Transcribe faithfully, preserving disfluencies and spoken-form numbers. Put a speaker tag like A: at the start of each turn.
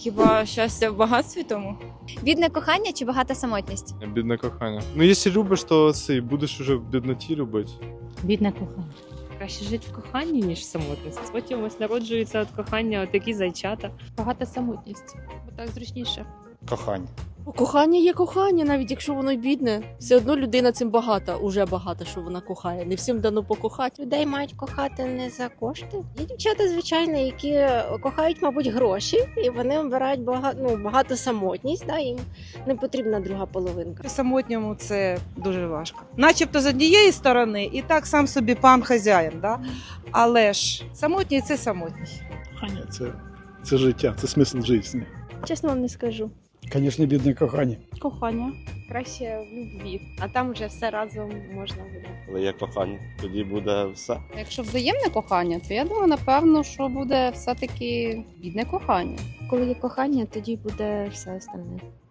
A: Хіба щастя в багатстві тому?
B: Бідне кохання чи багата самотність?
C: Бідне кохання. Ну, якщо любиш, то це будеш уже в бідноті любити.
D: Бідне кохання.
E: Краще жити в коханні, ніж в самотності. Потім ось народжуються від кохання такі зайчата.
D: Багата самотність, бо так зручніше.
F: Кохання.
G: Кохання є кохання, навіть якщо воно й бідне. Все одно людина цим багата, уже багата, що вона кохає. Не всім дано покохати.
H: Людей мають кохати не за кошти. Є дівчата, звичайно, які кохають, мабуть, гроші, і вони обирають багато, ну, багато самотність, да, їм не потрібна друга половинка.
I: Самотньому це дуже важко. Начебто з однієї сторони і так сам собі пан хазяїн, да? Але ж самотній це самотній.
F: Кохання це, це життя, це смисл життя.
G: Чесно вам не скажу.
F: Звісно, бідне кохання.
G: Кохання.
H: Краще в любві, а там вже все разом можна буде.
J: Коли є кохання, тоді буде все.
D: Якщо взаємне кохання, то я думаю, напевно, що буде все-таки бідне кохання.
H: Коли є кохання, тоді буде все остальне.